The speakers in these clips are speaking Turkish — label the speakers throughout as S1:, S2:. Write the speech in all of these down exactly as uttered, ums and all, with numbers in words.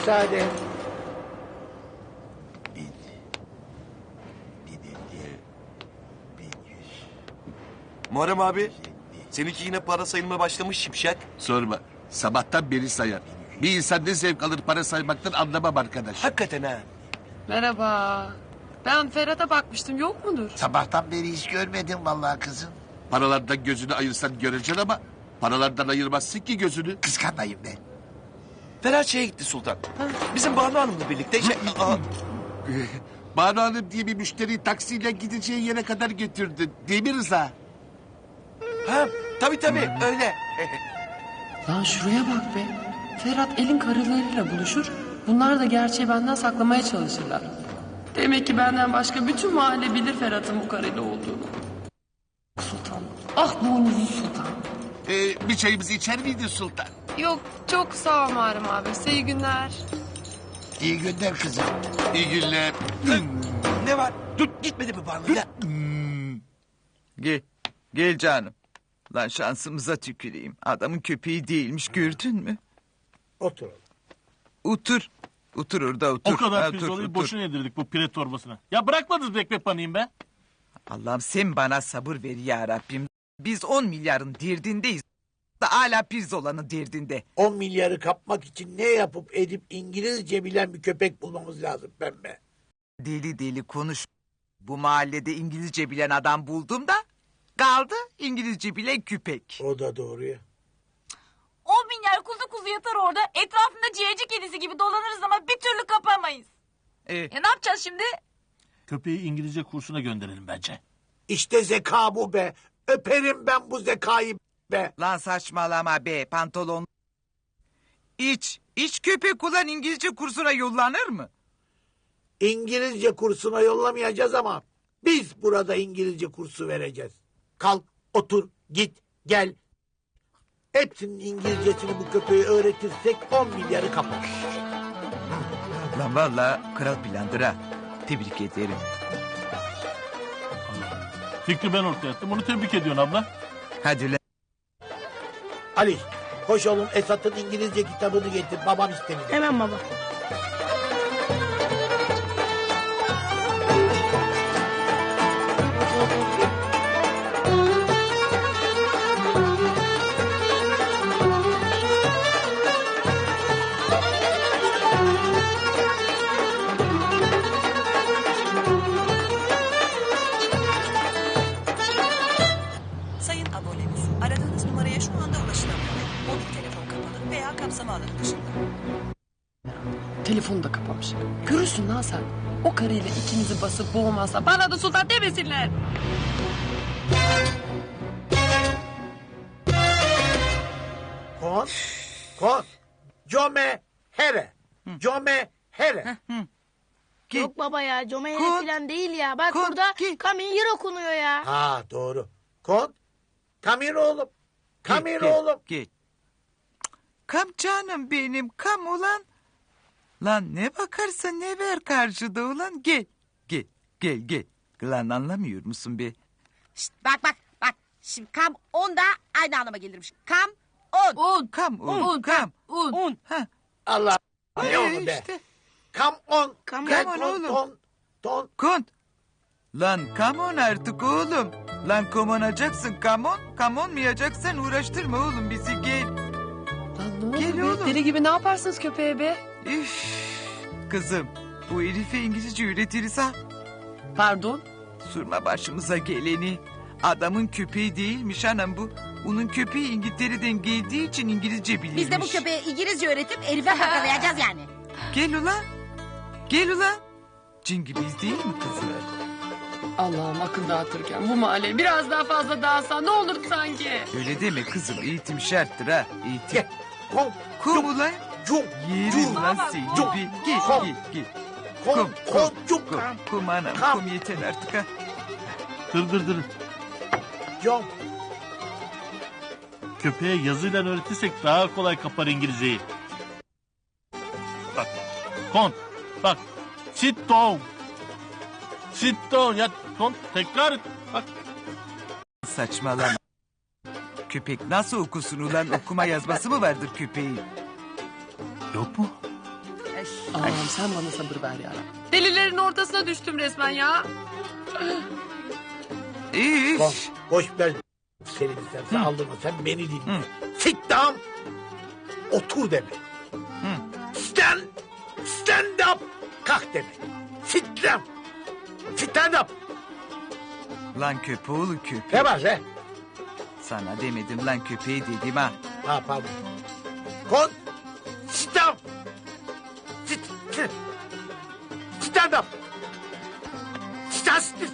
S1: müsaade.
S2: Bin. Bin elli. Bin yüz.
S3: Muharrem abi, seninki yine para sayılmaya başlamış şipşak.
S2: Sorma. Sabahtan beri sayar. Bir insan ne zevk alır para saymaktan anlamam arkadaş.
S3: Hakikaten ha.
S4: Merhaba. Ben Ferhat'a bakmıştım, yok mudur?
S1: Sabahtan beri hiç görmedim vallahi kızım.
S2: Paralardan gözünü ayırsan göreceksin ama... ...paralardan ayırmazsın ki gözünü.
S1: Kıskanmayın be.
S3: Ferhat şeye gitti Sultan. Bizim Banu Hanım'la birlikte. Şey, aa,
S2: Banu Hanım diye bir müşteriyi taksiyle gideceği yere kadar götürdü. Değil mi Rıza?
S3: ha, tabii tabii öyle.
S4: Lan şuraya bak be. Ferhat elin karılarıyla buluşur. Bunlar da gerçeği benden saklamaya çalışırlar. Demek ki benden başka bütün mahalle bilir Ferhat'ın bu karıyla olduğunu. Sultan. Ah boynuzlu sultan.
S2: Ee, bir çayımızı içer miydin Sultan?
S4: Yok çok sağ ol Muharrem abi. Size iyi günler.
S1: İyi günler kızım.
S2: İyi günler.
S3: Ne var? Dur gitmedi mi Banu'yla?
S5: Gel. Gel canım. Lan şansımıza tüküreyim. Adamın köpeği değilmiş, gördün mü?
S1: Otur.
S5: Otur. Otur orada otur.
S6: O kadar
S5: Ha, otur,
S6: pirzolayı
S5: otur.
S6: boşuna yedirdik bu pire torbasına. Ya bırakmadınız mı ekmek panayım be?
S5: Allah'ım sen bana sabır ver ya Rabbim. Biz on milyarın derdindeyiz. Da hala pirzolanın derdinde.
S1: On milyarı kapmak için ne yapıp edip İngilizce bilen bir köpek bulmamız lazım pembe.
S5: Deli deli konuş. Bu mahallede İngilizce bilen adam buldum da... ...kaldı İngilizce bilen köpek.
S1: O da doğru ya.
S7: On milyar kuzu kuzu yatar orada. Etrafında ciğerci kedisi gibi dolanırız ama bir türlü kapamayız.
S5: Ee,
S7: Ya ne yapacağız şimdi?
S6: Köpeği İngilizce kursuna gönderelim bence.
S1: İşte zeka bu be. Öperim ben bu zekayı be.
S5: lan saçmalama be pantolon. İç, iç köpek ulan İngilizce kursuna yollanır mı?
S1: İngilizce kursuna yollamayacağız ama biz burada İngilizce kursu vereceğiz. Kalk, otur, git, gel. Hepsinin İngilizcesini bu köpeğe öğretirsek on milyarı kapar.
S5: Lan valla kral plandır ha. Tebrik ederim.
S6: Fikri ben ortaya attım. Onu tebrik ediyorsun abla.
S5: Hadi lan.
S1: Ali, koş oğlum Esat'ın İngilizce kitabını getir. Babam istemiş.
S7: Hemen baba.
S8: Sayın abonemiz, aradığınız numaraya şu anda ulaşılamıyor. Mobil telefon kapalı veya kapsama alanı dışında.
S4: Telefonu da kapamış. Görürsün lan sen. O karıyla ikimizi basıp boğmazsa bana da sultan demesinler.
S1: Kon, kon. Come here. Come here.
S5: Git.
S7: Yok baba ya Comeyne
S5: Kod.
S7: falan değil ya. Bak
S5: Kod,
S7: burada
S5: git.
S7: Kamil okunuyor ya.
S1: Ha doğru. Kon. Come here oğlum. Come here
S5: Gel,
S1: oğlum.
S5: Gel. Kam canım benim kam ulan. Lan ne bakarsın ne ver karşıda ulan gel. Gel gel gel. Lan anlamıyor musun be?
S9: Şişt, bak bak bak. Şimdi kam on da aynı anlama gelirmiş. Kam on.
S4: Un.
S5: Kam un,
S4: Un.
S5: kam.
S4: Un.
S9: Un.
S5: Ha.
S1: Allah. Ne
S5: Ee,
S1: onu be.
S5: işte.
S1: Come on.
S4: Come
S1: Gel,
S5: on
S1: ton,
S5: oğlum.
S1: Ton, ton.
S5: Kont. Lan come on artık oğlum. Lan komonacaksın come on. Come olmayacaksın uğraştırma oğlum bizi gel.
S4: Lan ne oldu
S5: Gel
S4: be?
S5: oğlum.
S4: Deli gibi ne yaparsınız köpeğe be?
S5: Üf. Kızım bu herife İngilizce öğretiriz ha.
S4: Pardon?
S5: Sorma başımıza geleni. Adamın köpeği değilmiş anam bu. Onun köpeği İngiltere'den geldiği için İngilizce bilirmiş.
S9: Biz de bu köpeğe İngilizce öğretip herife kakalayacağız yani.
S5: Gel ulan. Gel ulan. Cin gibiyiz değil mi kızım?
S4: Allah'ım akıl dağıtırken bu mahalle biraz daha fazla dağılsa ne olurdu sanki?
S5: Öyle deme kızım eğitim şarttır ha. Eğitim.
S1: Gel. Kon.
S5: Kum ulan.
S1: Cum.
S5: Yerim
S1: Cum.
S5: lan seni
S1: Cum.
S5: bir. Gel
S1: Kom.
S5: gel gel.
S1: Kon.
S5: Kum,
S1: Kon. Cum.
S5: Kum, kum anam
S1: Kam.
S5: kum yeter artık ha.
S6: Dır dır dır.
S1: Cum.
S6: Köpeğe yazıyla öğretirsek daha kolay kapar İngilizceyi. Bak. Kon. Bak. Sit down. Sit down. Ya kon tekrar et. Bak.
S5: Saçmalama. Köpek nasıl okusun ulan okuma yazması mı vardır köpeğin?
S6: Yok mu?
S9: E,
S4: Allah'ım sen bana sabır ver ya. Delilerin ortasına düştüm resmen ya.
S5: İyi.
S1: Koş, koş ben seni sen, sen aldırma sen beni dinle. Sit down. Otur demek. Stand. Stand up. Kalk demek. Sit down. Stand up.
S5: Lan köpeğoğlu köpek.
S1: Ne var be?
S5: Sana demedim lan köpeği dedim ha.
S1: Ha pardon. Kon. Sit down. Sit. Sit. Stand up. Stand still.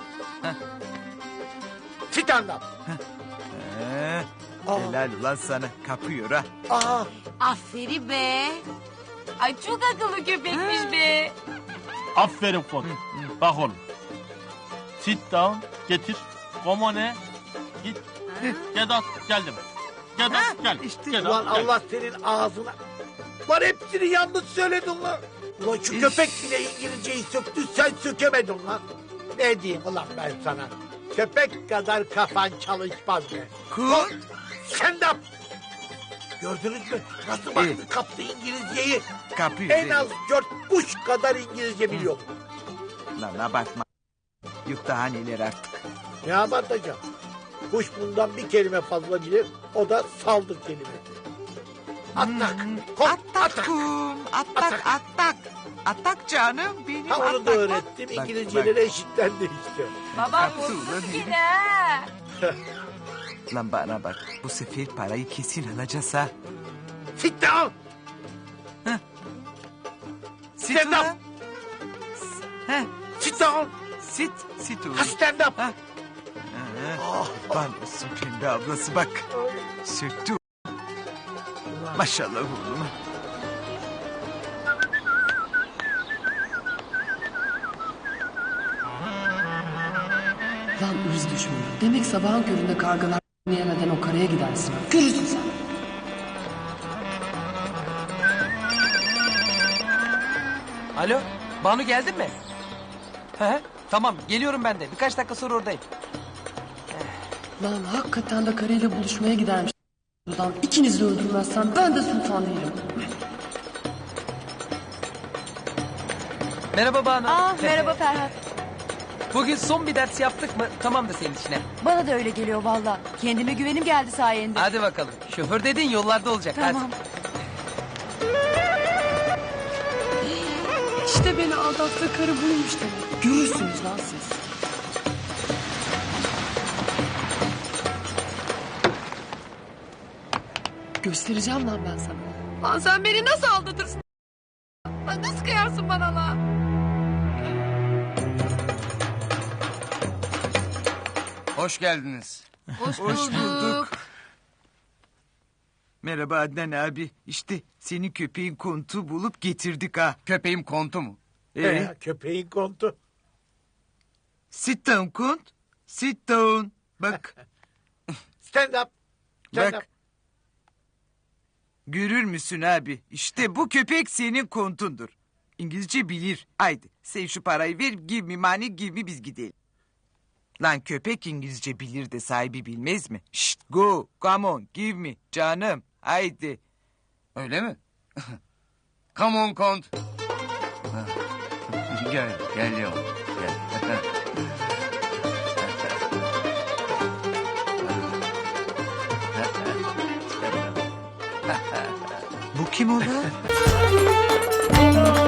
S1: Stand up.
S5: Ee, helal ulan sana kapıyor ha.
S1: Aa.
S9: Aferin be.
S7: Ay çok akıllı köpekmiş be.
S6: Aferin Fon. Bak oğlum. Sit down. Getir. Komone. Git. Get out. Geldim. Get out. Gel.
S5: işte.
S6: Get
S1: Ulan
S6: out, gel.
S1: Allah senin ağzına. Lan hepsini yanlış söyledin lan. Ulan şu
S5: İş.
S1: köpek bile İngilizceyi söktü sen sökemedin lan. Ne diyeyim ulan ben sana. Köpek kadar kafan çalışmaz be.
S5: Kurt.
S1: Stand up. Gördünüz mü? Nasıl baktı
S5: İyi.
S1: kaptı İngilizceyi.
S5: Kapıyor.
S1: En az dört kuş kadar İngilizce biliyor.
S5: Lan abartma. Yok daha neler artık.
S1: Ne abartacağım? Kuş bundan bir kelime fazla bilir. O da saldır kelimesi. Atak. Kop,
S5: Attak
S1: atak.
S5: kum. Attak attak. Attak canım benim
S1: Ha onu
S5: attak.
S1: da öğrettim.
S5: Bak,
S1: İngilizceleri
S5: bak.
S1: eşitlendi işte.
S7: Babam
S5: Kaptı
S7: vurdu
S5: ulan
S7: seni
S5: herif.
S7: ha.
S5: Lan bana bak. Bu sefer parayı kesin alacağız ha.
S1: Sit down.
S5: Sit
S1: Stand
S5: ulan. He,
S1: Sit down.
S5: sit. Sit ulan.
S1: Ha, stand up.
S5: Ha. Ah, Bana olsun pembe ablası bak. Söktü. Maşallah oğlum.
S4: Lan ırz düşmanı. Demek sabahın köründe kargalar yemeden o karaya gidersin. Görürsün sen.
S3: Alo, Banu geldin mi? He, he, tamam geliyorum ben de. Birkaç dakika sonra oradayım.
S4: Lan hakikaten de karıyla buluşmaya gidermiş. Buradan ikinizi de öldürmezsen ben de sultan değilim.
S3: Merhaba Banu.
S7: Aa merhaba Ferhat.
S3: Bugün son bir ders yaptık mı? Tamam da senin işine.
S7: Bana da öyle geliyor valla. Kendime güvenim geldi sayende.
S3: Hadi bakalım. Şoför dedin yollarda olacak.
S7: Tamam.
S4: İşte beni aldattığı karı buymuş demek. Görürsünüz lan siz. Göstereceğim lan ben sana. Lan sen beni nasıl aldatırsın? Lan nasıl kıyarsın bana lan?
S10: Hoş geldiniz.
S7: Hoş,
S5: Hoş
S7: bulduk.
S5: bulduk. Merhaba Adnan abi. İşte senin köpeğin kontu bulup getirdik ha.
S10: Köpeğim kontu mu?
S5: Ee,
S1: Ee, köpeğin kontu.
S5: sit down kont. Sit down. Bak.
S1: Stand up. Stand
S5: Bak.
S1: up.
S5: Görür müsün abi? İşte bu köpek senin kontundur. İngilizce bilir. Haydi sen şu parayı ver. Give me money, give me biz gidelim. Lan köpek İngilizce bilir de sahibi bilmez mi? Şşt go, come on, give me. Canım, haydi.
S10: Öyle mi? Come on kont. gel, gel yavrum. Gel.
S5: Bu kim ola?